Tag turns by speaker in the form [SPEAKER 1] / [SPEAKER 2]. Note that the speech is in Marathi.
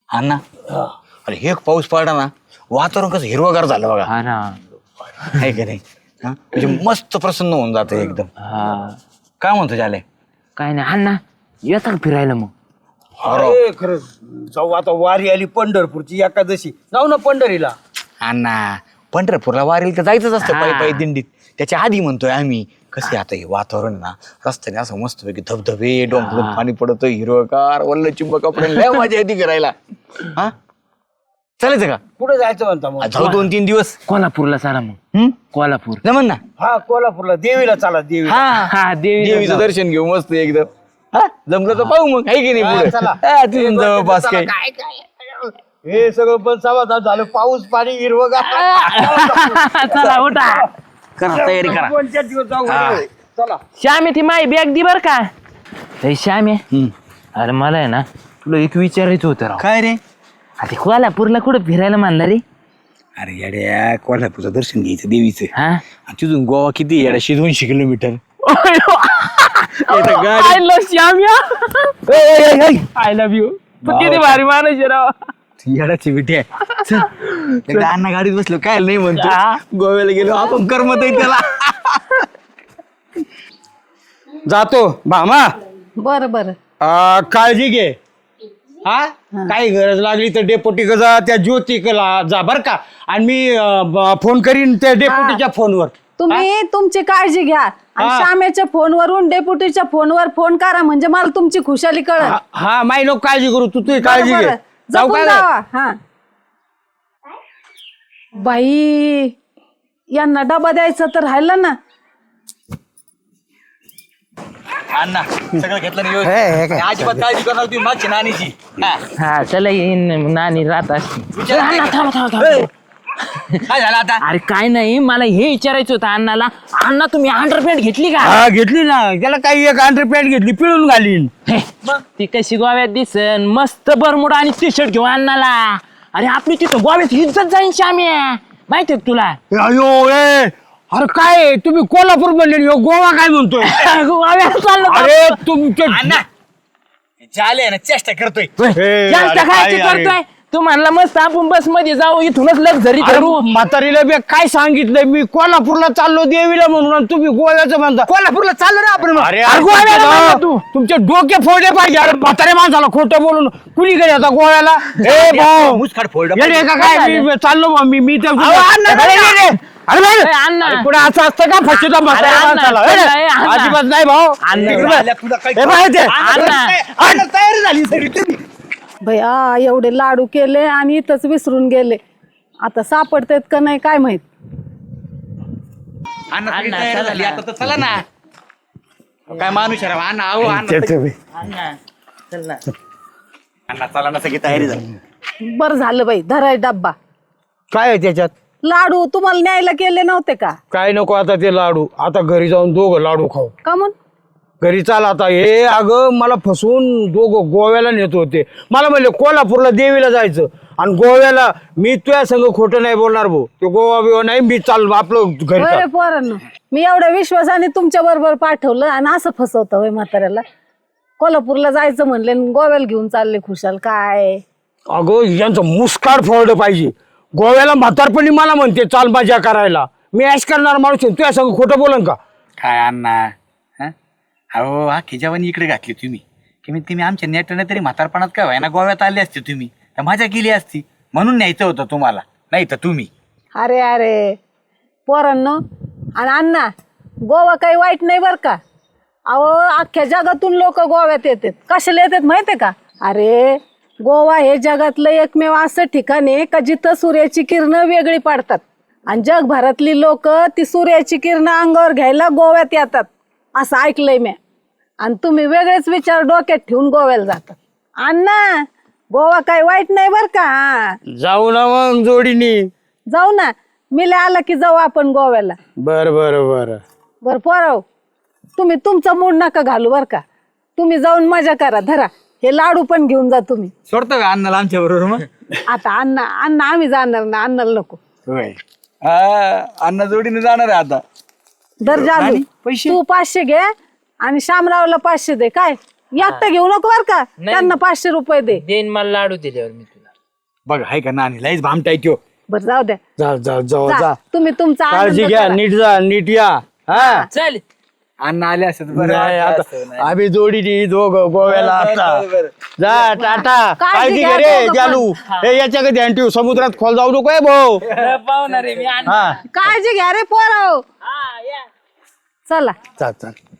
[SPEAKER 1] अण्णा अरे हे पाऊस पडला ना वातावरण कसं हिरवगार झालं बघा.
[SPEAKER 2] हा ना.
[SPEAKER 1] आहे का नाही हा म्हणजे मस्त प्रसन्न होऊन जातं एकदम.
[SPEAKER 2] हा
[SPEAKER 1] काय म्हणतो झाले
[SPEAKER 2] काय नाही अण्णा येतात फिरायला मग.
[SPEAKER 3] अरे खरंच जाऊ आता वारी आली पंढरपूरची एकादशी जाऊ ना पंढरीला.
[SPEAKER 1] अण्णा पंढरपूरला वारीला तर जायचंच असतं पायी पायी दिंडीत. त्याच्या आधी म्हणतोय आम्ही कसे आता हे वातावरण ना रस्त्याने असं मस्त पैकी धबधबे डोंगरातून पाणी पडतं हिरवगार वल्ल चिंब कपडे लय मजा येते करायला. हा चालायचं का
[SPEAKER 3] कुठे जायचं म्हणता मग?
[SPEAKER 1] जाऊ 2-3 दिवस.
[SPEAKER 2] कोल्हापूरला चला मग. कोल्हापूर
[SPEAKER 1] जमन ना.
[SPEAKER 3] हा कोल्हापूरला देवीला चला देवी.
[SPEAKER 2] हा
[SPEAKER 1] देवीचं दर्शन घेऊ मस्त एकदम. हा जमलं तर पाहू मग आहे की नाही पुढे.
[SPEAKER 3] चला.
[SPEAKER 1] हा, तिथून जवळपास काही
[SPEAKER 3] हे सगळं पण समाधान झालं पाऊस पाणी हिरवगार.
[SPEAKER 2] चला उठा.
[SPEAKER 1] करा तयारी करा.
[SPEAKER 3] 2-4 दिवस जाऊ घरी. चला
[SPEAKER 2] श्याम ती माय बॅग दि बर का. हे श्याम अरे मला आहे ना तुला एक विचारायचं होतं राव.
[SPEAKER 1] काय रे
[SPEAKER 2] आता कोल्हापूरला कुठं फिरायला मानला रे.
[SPEAKER 1] अरे येड्या कोल्हापूरचं दर्शन घ्यायचं देवीचं.
[SPEAKER 2] हा
[SPEAKER 1] आणि तिथून गोवा किती येड्या 200 kilometre.
[SPEAKER 2] I love Shyam I love you. तू किती भारी माणूस राव.
[SPEAKER 1] येडाची बिटी आहे. चल, एकदा अण्णा गाडीत बसलो काय नाही म्हणतो
[SPEAKER 2] हा.
[SPEAKER 1] गोव्याला गेलो आपण करमत आहे त्याला.
[SPEAKER 3] जातो भामा.
[SPEAKER 4] बर बर
[SPEAKER 3] काळजी घे. हा काही गरज लागली तर डेपोटी जा त्या ज्योतिकला जा बर का. आणि मी फोन करीन त्या डेपोटीच्या फोनवर.
[SPEAKER 4] तुम्ही तुमची काळजी घ्या आणि
[SPEAKER 3] हा.
[SPEAKER 4] श्यामेच्या फोनवरून डेप्युटीच्या फोनवर फोन करा म्हणजे मला तुमची खुशाली कळल.
[SPEAKER 3] हा माई नको काळजी करू तू तुझी काळजी घे. जाऊ
[SPEAKER 4] जपून
[SPEAKER 3] का
[SPEAKER 4] जावा. हा बाई यांना डबा द्यायचा तर राहिलं ना.
[SPEAKER 1] अण्णा सगळं घेतलं नाही
[SPEAKER 3] हे
[SPEAKER 1] व्यवस्थित.
[SPEAKER 3] काय?
[SPEAKER 1] अजिबात काळजी करणार तुम्ही मागची नानीची. हा.
[SPEAKER 2] हा चला येईन नानी राहत असते.
[SPEAKER 1] विचार
[SPEAKER 2] अण्णा,
[SPEAKER 1] नाही
[SPEAKER 2] थांबा,
[SPEAKER 1] का?
[SPEAKER 2] थांबा, थांबा.
[SPEAKER 1] काय झालं आता
[SPEAKER 2] अरे काय नाही मला हे विचारायचं होतं अण्णाला. अण्णा तुम्ही अंडरपॅन्ट घेतली का.
[SPEAKER 3] हा घेतली ना त्याला काही एक अंडरपॅन्ट घेतली पिळून घालीन.
[SPEAKER 2] हे, ती कशी गोव्यात दिसन मस्त बरमुडा आणि टी शर्ट घेऊ अण्णाला. अरे आपली तिथं गोव्यात इज्जत जाईन श्याम्या माहितीये का तुला.
[SPEAKER 3] अयो ए अरे काय तुम्ही कोल्हापूर म्हणले ह्यो गोवा काय म्हणतोय.
[SPEAKER 2] गोव्यात चाललो
[SPEAKER 3] अरे तुमचे
[SPEAKER 1] अण्णा झाले ना चेष्टा करतोय.
[SPEAKER 3] हे,
[SPEAKER 2] जास्त
[SPEAKER 3] अरे,
[SPEAKER 2] खायची
[SPEAKER 3] काय, अरे.
[SPEAKER 2] करतोय. तू म्हणला मस्त आपण बस मध्ये जाऊ इथूनच लक्झरी
[SPEAKER 3] अरे,
[SPEAKER 2] करू.
[SPEAKER 3] म्हातारीला बी काय सांगितलंय मी कोल्हापूरला चाललो देवीला म्हणून आणि तुम्ही गोव्याचं म्हणता.
[SPEAKER 1] कोल्हापूरला चाललो ना आपण.
[SPEAKER 3] अरे
[SPEAKER 2] अरे, गोव्याला म्हणला तू.
[SPEAKER 3] तुमचे डोके फोडले पाहिजे. अरे म्हातारे माणसाला खोटं बोलून कुणी गेले आता गोव्याला. ए भाऊ
[SPEAKER 1] मुसकाड फोल्ड
[SPEAKER 3] येडे का काय
[SPEAKER 2] काय
[SPEAKER 3] मी चाललो बा, मी त्या
[SPEAKER 2] अण्णा,
[SPEAKER 3] अरे,
[SPEAKER 2] अण्णा.
[SPEAKER 3] अरे, अरे भाई,
[SPEAKER 2] ए, अण्णा.
[SPEAKER 3] अरे, पुढे असं असतं का फसवता म्हाताऱ्या
[SPEAKER 2] अण्णा,
[SPEAKER 3] माणसाला.
[SPEAKER 2] अण्णा, अण्णा.
[SPEAKER 3] अजिबात नाही भाऊ.
[SPEAKER 2] अण्णा.
[SPEAKER 3] तिकडे बघ. ए, भाई, ते.
[SPEAKER 2] अण्णा.
[SPEAKER 1] तयारी झाली सगळी तुम्ही.
[SPEAKER 4] भैया एवढे लाडू केले आणि इथंच विसरून गेले. आता सापडतायत का नाही काय माहित.
[SPEAKER 1] अण्णा सगळी
[SPEAKER 2] अण्णा,
[SPEAKER 1] तयारी
[SPEAKER 2] चला
[SPEAKER 1] झाली
[SPEAKER 2] ना.
[SPEAKER 1] आता तर चला ना. काय माणूस आहे राव. अण्णा आहो अण्णा
[SPEAKER 2] अण्णा चल ना.
[SPEAKER 1] अण्णा चला ना सगळी तयारी झाली.
[SPEAKER 4] बरं झालं बाई धराय डब्बा.
[SPEAKER 3] काय आहे त्याच्यात
[SPEAKER 4] लाडू तुम्हाला न्यायला केले नव्हते का.
[SPEAKER 3] काय नको आता ते लाडू. आता घरी जाऊन दोघं लाडू खाऊ.
[SPEAKER 4] का म्हणून
[SPEAKER 3] घरी चाल आता. हे अगं मला फसवून दोघं गोव्याला नेत होते. मला म्हणले कोल्हापूरला देवीला जायचं आणि गोव्याला मी तुझ्या संग खोटं नाही बोलणार भाऊ. तो गोवा बिवा नाही मी चाल आपलं घरी
[SPEAKER 4] होय
[SPEAKER 3] चाल.
[SPEAKER 4] रे पोरांनो मी एवढ्या विश्वासाने तुमच्या बरोबर पाठवलं आणि असं फसवतं होय म्हाताऱ्याला. कोल्हापूरला जायचं म्हणले आणि गोव्याला घेऊन चालले खुशाल काय.
[SPEAKER 3] अगं यांचं मुस्काड फोडलं पाहिजे. गोव्याला म्हातारपणी मला म्हणते चाल मजा करायला. मी ऐश करणार माणूस आहे. तुझ्या संग खोटं बोलन का.
[SPEAKER 1] काय अण्णा हा? अहो हा खिजावानी इकडे घातली तुम्ही. तुम्ही आमच्या नेटाने तरी म्हातारपणात काय व्हायना गोव्यात आले असते तुम्ही तर मजा केली असती म्हणून न्यायचं होतं तुम्हाला नाही तर तुम्ही.
[SPEAKER 4] अरे अरे पोरांनो आणि अण्णा गोवा काही वाईट नाही बरं का. अहो अख्ख्या जगातून लोक गोव्यात येतात. कशाला येतात माहितीये का. अरे गोवा हे जगातलं एकमेव असं ठिकाण आहे का जिथं सूर्याची किरणं वेगळी पडतात आणि जगभरातली लोक ती सूर्याची किरणं अंगावर घ्यायला गोव्यात येतात असं ऐकलंय मी. आणि तुम्ही वेगळेच विचार डोक्यात ठेवून गोव्याला जातात. अण्णा गोवा काही वाईट नाही बरं का.
[SPEAKER 3] जाऊ ना मग जोडीनी.
[SPEAKER 4] जाऊ ना मिले आला की जाऊ आपण गोव्याला.
[SPEAKER 3] बर बर बर
[SPEAKER 4] बर पोराव तुम्ही तुमचा मूड नका घालू बर का. तुम्ही जाऊन मजा करा. धरा हे लाडू पण घेऊन जा तुम्ही.
[SPEAKER 1] सोडतो का अण्णाला आमच्या बरोबर मग.
[SPEAKER 4] आता अण्णा अण्णा आम्ही जाणार ना अण्णाला नको.
[SPEAKER 1] होय अण्णा जोडीने जाणार आहे आता.
[SPEAKER 4] दर जालू
[SPEAKER 1] आणि पैसे?
[SPEAKER 4] तू 500 घे आणि शामरावला 500 दे. काय एकटं घेऊ नको बर का. त्यांना 500 रुपये दे.
[SPEAKER 2] देईन मला लाडू दिल्यावर मी तुला.
[SPEAKER 1] बघ हाय का नानी लयच भामटाय त्यो.
[SPEAKER 4] बरं जाऊ द्या.
[SPEAKER 3] जा जा जा
[SPEAKER 4] जा.
[SPEAKER 3] जा
[SPEAKER 4] तुम्ही तुमचा
[SPEAKER 3] काळजी
[SPEAKER 4] आनंद
[SPEAKER 3] घ्या
[SPEAKER 4] करा.
[SPEAKER 3] नीट जा नीट या हा
[SPEAKER 2] चल
[SPEAKER 1] अण्णा आले असत
[SPEAKER 3] नाही आता आम्ही जोडीनी दोघं गोव्याला आता जा टाटा काळजी
[SPEAKER 4] घ्या
[SPEAKER 3] घे रे
[SPEAKER 4] दोघं
[SPEAKER 3] जालू हे याच्याकडे ध्यान ठेव समुद्रात खोल जाऊ नको भाऊ
[SPEAKER 2] पाहुणार आहे मी
[SPEAKER 3] हा
[SPEAKER 4] काळजी घ्या रे पोराव. चला
[SPEAKER 3] चाल चाल